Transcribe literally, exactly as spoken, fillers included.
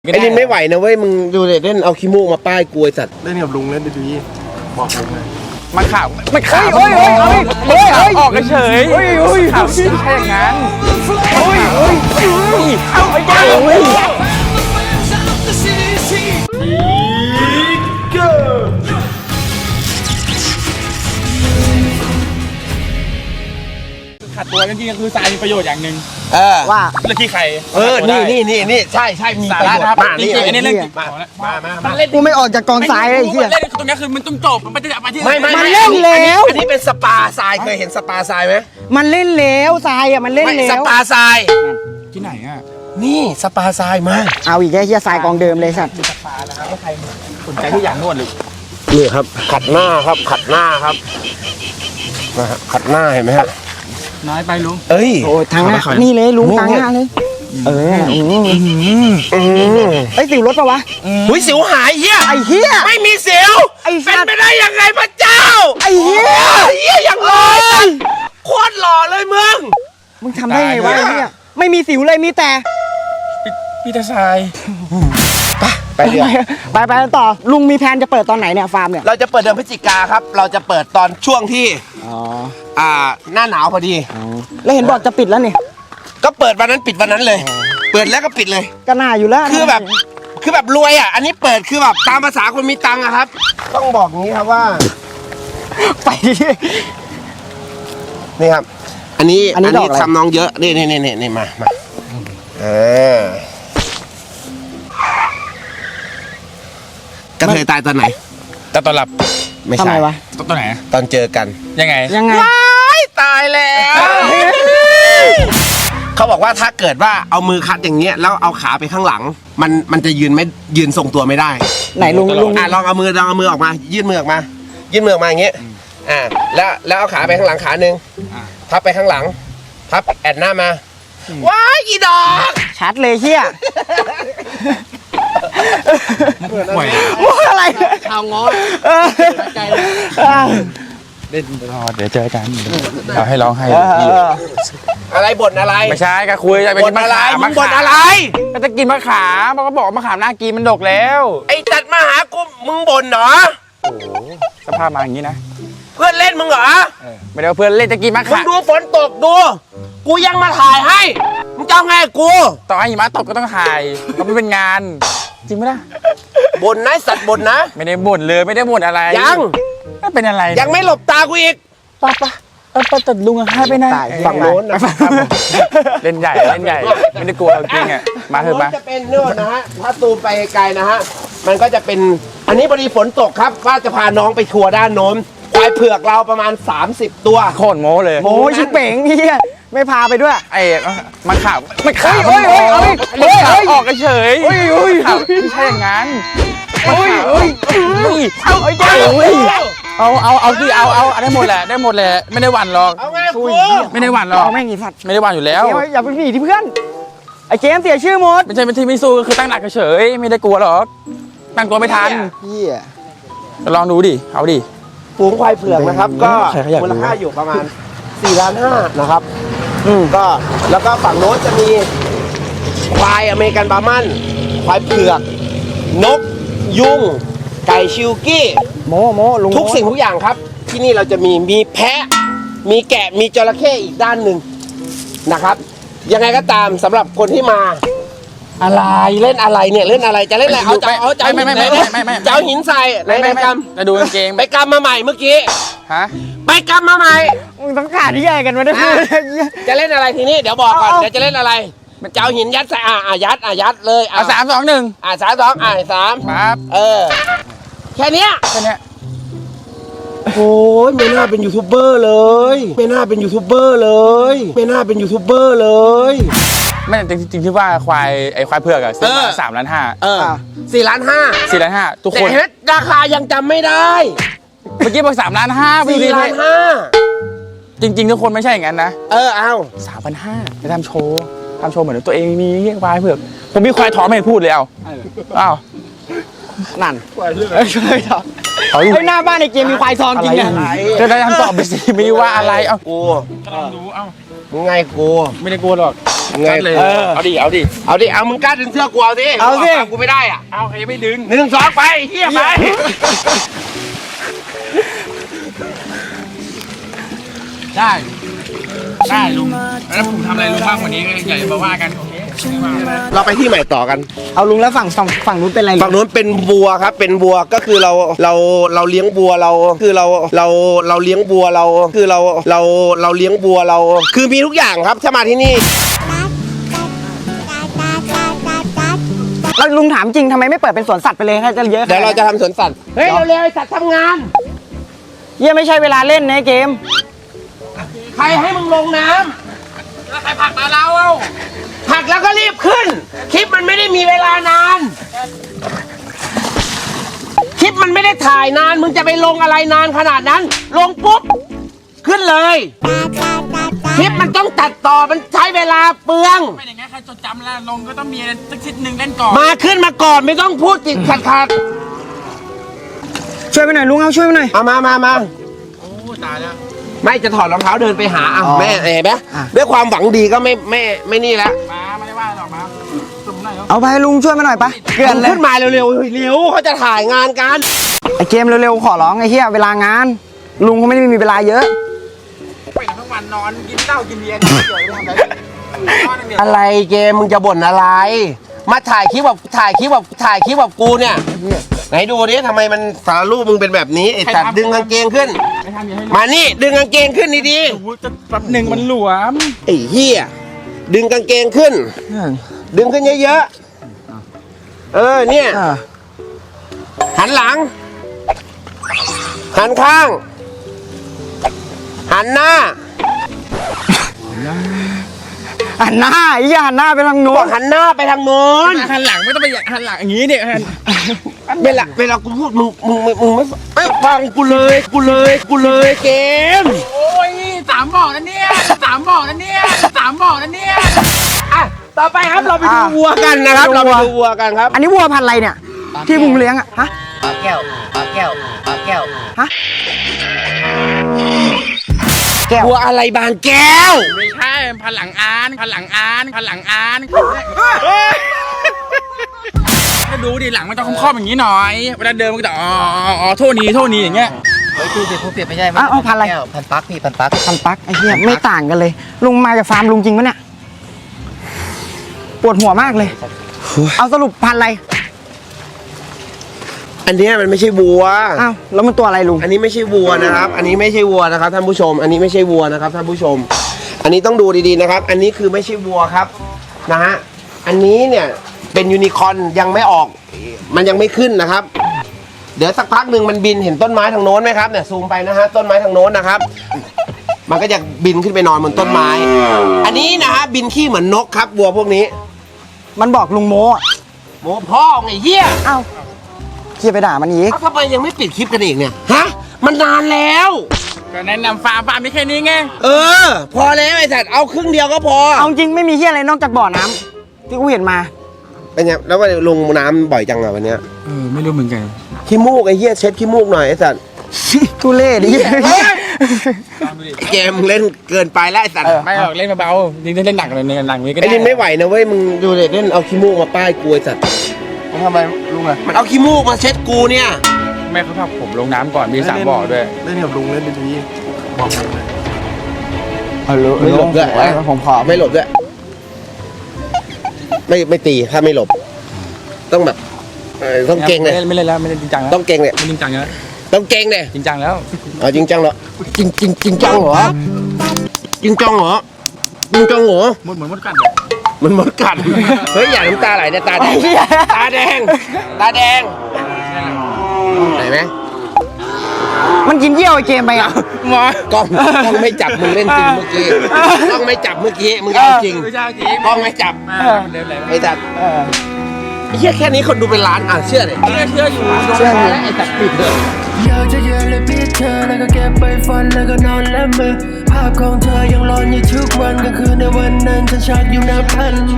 ไอ้นี่ไม่ไหวนะเว้ยมึงดูเด็เล่นเอาขี้มูกมาป้ายกลวยสัตว์เล่นกับลุงเล่นดีๆบอกลุงเลยมันข่าวมันข่าวเฮ้ยเฮ้ยเฮ้ยเฮ้ยเฮ้ยออกเฉยเฮ้ยเฮ้ยข่าวไม่ใช่อย่างนั้นเฮ้ยเฮ้ยเฮ้ยเอาไอ้เจ้าเฮ้ยขัดตัวจริงๆคือทรายมีประโยชน์อย่างหนึ่งเออว่าเรื่องที่ใครเออนี่นี่นี่นี่ใช่ใช่มีประโยชน์มากจริงๆอันนี้เล่นมามามากูไม่ออกจากกองทรายเลยไอ้เหี้ยเล่นตรงนี้คือมันต้องจบมันจะไปที่ไม่ไม่มันเล่นแล้วอันนี้เป็นสปาทรายเคยเห็นสปาทรายไหมมันเล่นแล้วทรายอ่ะมันเล่นแล้วสปาทรายที่ไหนอ่ะนี่สปาทรายมาเอาอีกแค่เหี้ยทรายกองเดิมเลยสัตว์สปานะครับว่าใครสนใจที่อย่างนวดหรือนี่ครับขัดหน้าครับขัดหน้าครับนะฮะขัดหน้าเห็นไหมฮะน้อยไปลุงเอ้ยโอ้ทางหน้านี่เลยลุงทางหน้าเลยเออไอ้สิวรถปะวะหุ้ยสิวหายเหี้ยไอ้เหี้ยไม่มีสิวไอ้เป็นไปได้ยังไงพระเจ้าไอ้เหี้ยเหี้ยอย่างหล่อโคตรหล่อเลยมึงมึงทำได้ไงวะไอ้เหี้ยไม่มีสิวเลยมีแต่พี่ตาทรายไปเดี๋ยวไปไปต่อลุงมีแผนจะเปิดตอนไหนเนี่ยฟาร์มเนี่ยเราจะเปิดเดือนพฤศจิกาครับเราจะเปิดตอนช่วงที่อ๋ออ่าหน้าหนาวพอดีแล้วเห็นบอกจะปิดแล้วนี่ก็เปิดวันนั้นปิดวันนั้นเลยเปิดแล้วก็ปิดเลยก็น่าอยู่แล้วคือแบบคือแบบรวยอ่ะอันนี้เปิดคือแบบตามภาษาคนมีตังค์อะครับต้องบอกงี้ครับว่าไปนี่ครับอันนี้อันนี้ทำน้องเยอะนี่นี่นี่นี่มามาเออกระเทยตายตอนไหนแต่ตอนหลับไม่ใช่วะตอนไหนตอนเจอกันยังไงยังไงว้ายตายแล้วเขาบอกว่าถ้าเกิดว่าเอามือคัดอย่างเงี้ยแล้วเอาขาไปข้างหลังมันมันจะยืนไม่ยืนทรงตัวไม่ได้ไหนลุงลุงอ่ะลองเอามือลองเอามือออกมายื่นมือออกมายื่นมือออกมาอย่างเงี้ยอ่าแล้วแล้วเอาขาไปข้างหลังขาหนึ่งพับไปข้างหลังพับแอนหน้ามาว้ายอีดอกชัดเลยเฮียห่วยอะไรชาวง้อใจเลยเล่นรอเดี๋ยวเจอกันเอาให้ร้องให้อะไรบ่นอะไรไม่ใช่ก็คุยจะไปกินมะขามมึงบ่นอะไรก็จะกินมะขามมันก็บอกมะขามน่ากินมันดกแล้วไอ้ตัดมาหากูมึงบ่นเหรอโอ้สภาพมาอย่างนี้นะเพื่อนเล่นมึงเหรอไม่ได้เพื่อนเล่นจะกินมะขามมึงดูฝนตกดูกูยังมาถ่ายให้มึงจะเอาไงกูต่อให้หิมะตกก็ต้องถ่ายก็ไม่เป็นงานจริงไหมล่ะบ่นนะสัตว์บ่นนะไม่ได้บ่นเลยไม่ได้บ่นอะไรยังไม่เป็นอะไรยังไม่หลบตากูอีกป้าป้าเออป้าตัดลุงอะให้ไปไหนฝั่งโน้นนะเล่นใหญ่เล่นใหญ่ไม่ได้กลัวจริงอะมาเถอะมาจะเป็นโน่นนะฮะถ้าตูมไปไกลนะฮะมันก็จะเป็นอันนี้พอดีฝนตกครับว่าจะพาน้องไปทัวร์ด้านโน้นควายเผือกเราประมาณสามสิบตัวโคตรโม้เลยโม้ชิบเป๋งเฮียไม่พาไปด้วยไอ้มันข่าวมันข่าวเฮ้ยเฮ้ยเฮ้ยเฮ้ยเฮ้ยออกเฉยเฮ้ยเฮ้ยไม่ใช่อย่างนั้นเฮ้ยเฮ้ยเอาไอ้เจ้าเอาเอาเอาที่เอาเอาได้หมดแหละได้หมดแหละไม่ได้หวั่นหรอกเอาไงกูไม่ได้หวั่นหรอกแม่งอีสัตว์ไม่ได้หวั่นอยู่แล้วอย่าไปหนีที่เพื่อนไอ้เจมเสียชื่อหมดไม่ใช่เป็นที่ไม่สู้ก็คือตั้งหลักเฉยไม่ได้กลัวหรอกตั้งตัวไม่ทันเฮียลองดูดิเอาดิฝูงควายเผือกนะครับก็มูลค่าอยู่ประมาณสี่ล้านห้านะครับอืมก็แล้วก็ฝั่งโน้นจะมีควายอเมริกันบาร์มันควายเผือกนกยุงไก่ชิลกี้โมโมลุงทุกสิ่งทุกอย่างครับที่นี่เราจะมีมีแพะมีแกะมีจระเข้อีกด้านหนึ่งนะครับยังไงก็ตามสำหรับคนที่มาอะไรเล่นอะไรเนี่ยเล่นอะไรจะเล่นอะไรเอาจะเอาจะเอาหินใส่จะเอาหินใส่ในในกำจะดูกางเกงไปกำมาใหม่เมื่อกี้ฮะไปกำมาใหม่มึงต้องขาดที่ใหญ่กันมาได้พูดจะเล่นอะไรทีนี้เดี๋ยวบอกก่อนเดี๋ยวจะเล่นอะไรจะเอาหินยัดใส่อ่ะอ่ะยัดอ่ะยัดเลยอ่ะสามสองหนึ่งอ่ะสามสองอ่ะสามครับเออแค่นี้แค่นี้โอ้ยไม่น่าเป็นยูทูบเบอร์เลยไม่น่าเป็นยูทูบเบอร์เลยไม่น่าเป็นยูทูบเบอร์เลยไม่จริงจริงที่ว่าควายไอ้ควายเผือกอะซื้อมาสามล้านห้าเออสี่ล้านห้าสี่ล้านห้าทุกคนแต่ราคายังจำไม่ได้เมื่อกี้บอกสามล้านห้าสี่ล้านห้าจริงๆทุกคนไม่ใช่อย่างนั้นนะเออเอาสามพันห้าไปทำโชว์ทำโชว์เหมือนตัวเองมีควายเผือกผมมีควายท้องไม่เห็นพูดเลยเอาอ้าวนั่นเฮ้ยเลยท้องเฮ้ยหน้าบ้านในเกมมีควายทองจริงไงจะได้ทำตอบไปสิไม่ว่าอะไรเอากูลองดูเอามึงไงกูไม่ได้กลัวหรอกมึงไงเลยเออเอาดิเอาดิเอาดิเอามึงกล้าดึงเสื้อกูเอาดิเอาสิกูไม่ได้อ่ะเอาใครไม่ดึงหนึ่งสองไปเฮียไปได้ได้ลุงแล้วผมทำอะไรลุงบ้างวันนี้ก็อย่ามาว่ากันโอเคไม่ว่ากันเราไปที่ใหม่ต่อกันเอาลุงแล้วฝั่งฝั่งฝั่งนู้นเป็นอะไรลุฝั่งงนู้นเป็นวัวครับเป็นวัวก็คือเราเราเราเลี้ยงวัวเราคือเราเราเราเลี้ยงวัวเราคือเราเราเราเลี้ยงวัวเรา คือมีทุกอย่างครับถ้ามาที่นี่แล้วลุงถามจริงทำไมไม่เปิดเป็นสวนสัตว์ไปเลยถ้าจะเยอะขนเดี๋ยวเราจะทำสวนสัตว์เฮ้ยเร็วๆไอ้สัตว์ทำงานเยี่ยไม่ใช่เวลาเล่นในเกมใครให้มึงลงน้ำแล้วใครผลักมาเราเอ้าผลักแล้วก็รีบขึ้น คลิปมันไม่ได้มีเวลานาน คลิปมันไม่ได้ถ่ายนาน มึงจะไปลงอะไรนานขนาดนั้น ลงปุ๊บ ขึ้นเลย คลิปมันต้องตัดต่อ มันใช้เวลาเปลืองไม่อย่างงั้นใครจดจำแล้วลงก็ต้องมีอะไรสักชิ้นหนึ่งเล่นก่อนมาขึ้นมาก่อนไม่ต้องพูดติดขัดขัดช่วยไปหน่อยลุงเอาช่วยไปหน่อยเอามามามาโอ้ตายแล้วไม่จะถอดรองเท้าเดินไปหาอ่ะอ๋อแม่เห็นไหมอ่ะด้วยความหวังดีก็ไม่ไม่ไม่นี่แล้วมาไม่ได้ว่าหรอกมาสุ่มหน่อยแล้วเอาไปลุงช่วยมาหน่อยปะเกินเลยขึ้นมาเร็วๆเร็วเขาจะถ่ายงานกันไอเกมเร็วๆขอร้องไอ้เหี้ยเวลางาน ลุงเขาไม่ได้มีเวลาเยอะไปทั้งวันนอนกินเหล้ากินเบียร์นอนเฉยทำอะไรนอนอย่างเดียวอะไรเกมมึงจะบ่นอะไร มาถ่ายคลิปแบบถ่ายคลิปแบบถ่ายคลิปแบบกูเนี่ยไหนดูดิทำไมมันสารรูปมึงเป็นแบบนี้ไอ้สัตว์ดึงกางเกงขึ้นไม่ทำอย่างให้มานี่ดึงกางเกงขึ้นดีโอ้โหจะแป๊บหนึ่งมันหลวมๆไอ้เหี้ยดึงกางเกงขึ้น ดึงขึ้นเยอะๆเออเนี่ยอ่าหันหลัง หันข้าง หันหน้าหันหน้าไอ้เหี้ยหันหน้าไปทางโน้บอน กหันหน้าไปทางโน้นหันหลังไม่ต้องไปหันหลังอย่างนี้เนี่ยหันเวลาเวลากูพูดมึงมึงมึงมึงไม่ไม่ฟังกูเลยกูเลยกูเลยเกมโอ้ยสามบ่อแล้วเนี่ยสามบ่อแล้วเนี่ยสามบ่อแล้วเนี่ยอ่ะต่อไปครับเราไปดูวัวกันนะครับ เราไปดูวัวกันครับอันนี้วัวพันธุ์อะไรเนี่ย ที่มึงเลี้ยงอะฮะปลาแก้วปลาแก้วปลาแก้วฮะแก้ววัวอะไรบางแก้วไม่ใช่พันหลังอานพันหลังอานพันหลังอานก็ดูดิหลังมันต้องคล่อมๆอย่างนี้หน่อยเวลาเดินมันก็จะอ๋ออ๋อโทษนี้โทษนี้อย่างเงี้ยเฮ้ยพี่เป็นผู้เปลี่ยนไม่ใช่อ้าวเอาพันธุ์อะไรแก้วพันปักพี่พันปักพันปักไอ้เหี้ยไม่ต่างกันเลย ลุงมาจากฟาร์มลุงจริงปะเนี่ย ปวดหัวมากเลย เอาสรุปพันธุ์อะไรอันเนี้ยมันไม่ใช่วัวอ้าวแล้วมันตัวอะไรลุงอันนี้ไม่ใช่วัวนะครับ อันนี้ไม่ใช่วัวนะครับท่านผู้ชม อันนี้ไม่ใช่วัวนะครับท่านผู้ชม อันนี้ต้องดูดีๆนะครับ อันนี้คือไม่ใช่วัวครับนะฮะ อันนี้เนี่ยเป็นยูนิคอร์นยังไม่ออก มันยังไม่ขึ้นนะครับ เดี๋ยวสักพักหนึ่งมันบินเห็นต้นไม้ทางโน้นไหมครับเนี่ยซูมไปนะฮะต้นไม้ทางโน้นนะครับ มันก็จะบินขึ้นไปนอนบนต้นไม้ อันนี้นะฮะบินขี้เหมือนนกครับวัวพวกนี้มันบอกลุงโมอะโมพ่อไงเหี้ยอ้าวเหี้ยไปด่ามันอีกเอ้าทำไมยังไม่ปิดคลิปกันอีกเนี่ยฮะมันนานแล้วก็แนะนำฟาร์มฟาร์มไม่แค่นี้ไงเออ พอแล้วไอ้สัตว์เอาครึ่งเดียวก็พอเอาจริงไม่มีเหี้ยอะไรนอกจากบ่อน้ำที่กูเห็นมาเป็นไงแล้ววันนี้ลงน้ำบ่อยจังอะวันเนี้ยเออไม่รู้เหมือนกันขี้มูกไอ้เหี้ยเช็ดขี้มูกหน่อยไอ้สัตว์ทุเล่ดิเกมเล่นเกินไปแล้วไอ้สัตว์ไม่หรอกเล่นเบาๆจริงๆเล่นหนักเลยในหนังนี้ก็ได้ไอ้นี่ไม่ไหวนะเว้ยมึงดูเด็เล่นเอาขี้มูกมาป้ายกูไอ้สัตว์ทำไมลุงอะมันเอาขี้มูกมาเช็ดกูเนี่ยไม่เขาพักผมลงน้ำก่อนมีสามบ่อด้วยเล่นกับลุงเล่นดีๆบอกลุงเลยเอาลุงไม่หลบด้วยผมขอไม่หลบด้วยไม่ไม่ตีถ้าไม่หลบ ต้องแบบเออต้องเก่งเลยไม่เล่นแล้วไม่เล่นจริงจังแล้วต้องเก่งเลยไม่จริงจังแล้วต้องเก่งเลยจริงจังแล้วอ๋อจริงจังเหรอจริงจริงจริงจังเหรอจริงจังเหรอจริงจังเหรอมดเหมือนมดกัดเลยมันมดกัด เฮ้ยอย่าน้ำตาไหลเนี่ยตาแดง ตาแดง ตาแดงไหนไหมมันกินเยี่ยวไอ้เกมไปอ่ะหมอกล้องกล้องไม่จับมึงเล่นจริงเมื่อกี้กล้องไม่จับเมื่อกี้มึงเอาจริงไม่ใช่จริงกล้องไม่จับเดินเลยไอ้สัตว์ไอ้เหี้ยแค่นี้คนดูเป็นล้านอ่ะเชื่อเลยเชื่อเชื่ออยู่เชื่อแล้วไอ้สัตว์ปิดเลยอยากจะเย็นเลยพี่เธอแล้วก็เก็บไปฝันแล้วก็นอนและมือภาพของเธอยังหลอนอยู่ทุกวันก็คือในวันนั้นฉันชักอยู่นับพัน